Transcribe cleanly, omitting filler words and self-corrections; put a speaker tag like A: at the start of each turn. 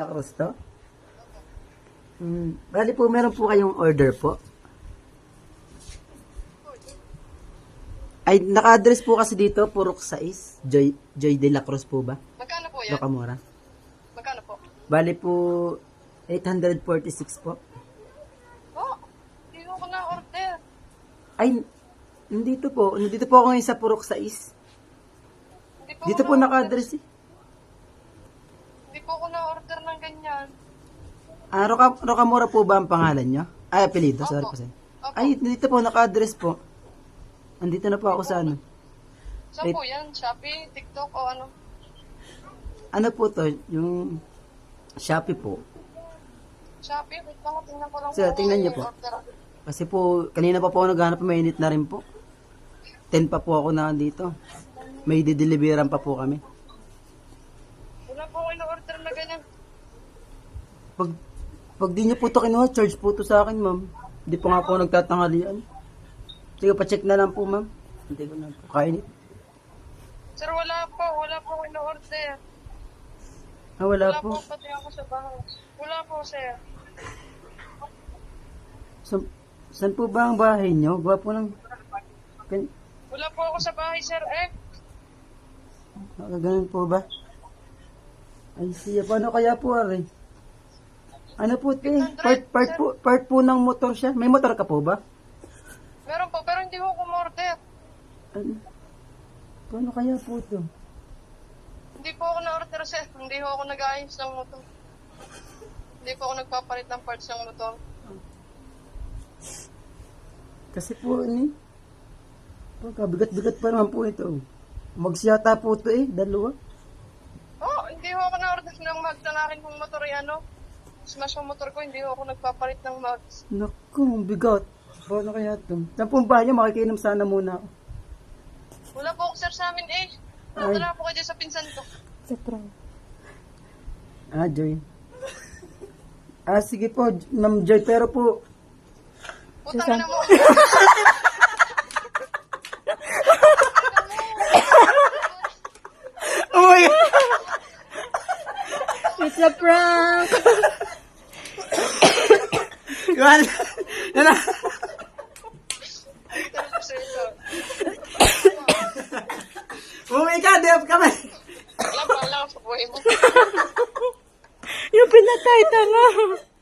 A: Cruz to? Bali po, meron po kayong order po? Ay, naka-address po kasi dito, Purok 6, Joy de la Cruz po ba?
B: Magkano po yan?
A: Locamora.
B: Magkano po?
A: Bali po, 846 po.
B: Oh, hindi ko na order.
A: Ay, nandito po ako ngayon sa Purok 6.
B: Hindi
A: Dito po naka-address eh.
B: Hindi po ako na-order ng ganyan.
A: Ah, Rocamora po ba ang pangalan nyo? Ay, apelido, sorry po sir.
B: Opo.
A: Ay, dito po, naka-address po. Andito na po ako sa ano.
B: Saan po yan? Shopee, TikTok o ano?
A: Ano po to? Yung Shopee po.
B: Shopee, wait lang, tingnan ko lang
A: Sir,
B: po
A: tingnan
B: kung
A: niyo
B: yung
A: po.
B: order.
A: Kasi po, kanina pa po ako naghanap, mainit na rin po. 10 pa po ako na dito. May dideliveran pa po kami.
B: Wala po ako in-order na ganyan.
A: Pag di niyo po ito kinuha, charge po ito sa akin, ma'am. Hindi po nga po nagtatanghalian. Sige, pa-check na lang po, ma'am. Hindi ko na po kainit.
B: Sir, wala po ako in-order.
A: Ah, wala
B: Wala
A: po.
B: po, pati ako sa bahay. Wala po, sir.
A: Saan po ba ang bahay niyo? Gawa po ng...
B: Wala po ako sa bahay, sir.
A: Ganun po ba? Ay, siya. Paano kaya po, Ari? Ano po, te? Part po ng motor siya. May motor ka po ba?
B: Meron po, pero hindi ko kumorder.
A: Ano? Paano kaya po ito?
B: Hindi po ako na-order, sir. Hindi po ako nag-ayos ng motor. Hindi po ako nagpapalit ng parts ng motor.
A: Kasi po, pagkabigat-bigat pa naman po ito. Magsiyata po ito dalawa.
B: Oh, hindi po ako na-order ng mags na akin kung motor ay ano. Smash yung motor ko, hindi po ako nagpapalit ng mags.
A: Naku, ang bigat. Paano kaya ito? Saan po ang bahay niyo? Makikinom sana muna ako.
B: Wala po ako, sir, sa amin Wala po kayo dyan sa pinsan ko.
A: Ah, Joy. Ah, sige po, Ma'am Joy, pero po,
B: Putang na mo.
A: oh my God!
C: It's a prank!
A: Yan na.
B: Sir, ito.
A: Umuwi ka, di up kami.
B: Alam pa lang sa buhay mo.
C: Yung pinatay tanga!